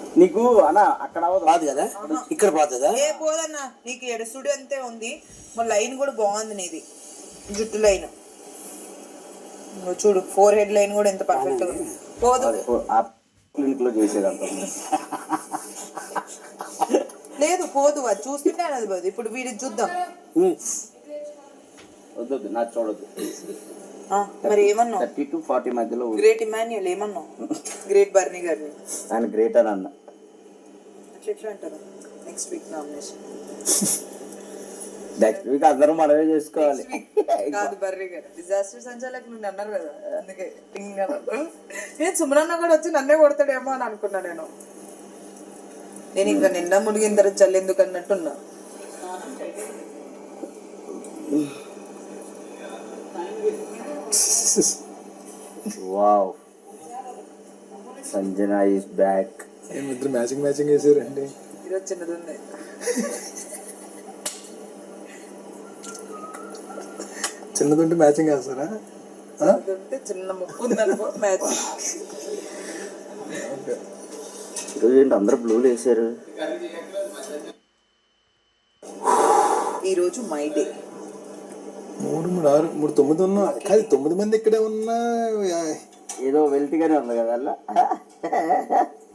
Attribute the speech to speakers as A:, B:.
A: నీకు అన్న అక్కడ
B: బాదు కదా, ఇక్కడ బాదు కదా.
C: ఏ పోదన్నా, నీకు ఎడుసుడు అంతే ఉంది. మా లైన్ కూడా బాగుంది నీది, జుట్టు లైన్ చూడు, 4 హెడ్ లైన్ కూడా ఎంత పర్ఫెక్ట్ ఉంది. పోదు
A: క్లినిక్ లో చేసేదంట
C: లేదు, పోదు. అది చూస్తుంటే అది పోదు. ఇప్పుడు వీడి చూద్దాం.
A: వద్దు నాకు చూడద్దు.
C: మరి ఏమన్నావు?
A: 30 to 40 మధ్యలో.
C: గ్రేట్ ఇమాన్యుయల్ ఏమన్నావు? గ్రేట్ బర్నీ గారిని
A: ఆయన గ్రేట్ అని అన్న.
C: ఎట్లా అంటారు? Next week nomination.
A: Next week అందరూ మనమే చేసుకోవాలి.
C: కాదు, బర్రీ గారు డిజాస్టర్ సంచాలక్ నుండి అన్నారు కదా, అందుకే నేను సుమనన్న కూడా వచ్చి నన్నే కొడతాడేమో అని అనుకున్నా. నేను ఇంకా నిండా మునిగిన తర్వాత చల్లెందుకు అన్నట్టున్నా.
A: Wow, Sanjana is back.
B: ఇద్దరు మ్యాచింగ్ వేసారండి.
C: ఈరోజు చిన్నది ఉంది.
B: చిన్నదుంటే మ్యాచింగ్ వేస్తారా?
C: చిన్న ముక్కు ఉందనుకో మ్యాచింగ్.
A: ఈరోజు ఏంటి అందరూ బ్లూలు వేసారు?
C: ఈరోజు మై డే.
B: 3, 3, 6, 3, 9 ఉన్నా. కాదు, 9 మంది ఇక్కడే ఉన్నా
A: ఏదో వెల్తీగానే ఉంది కదా అలా.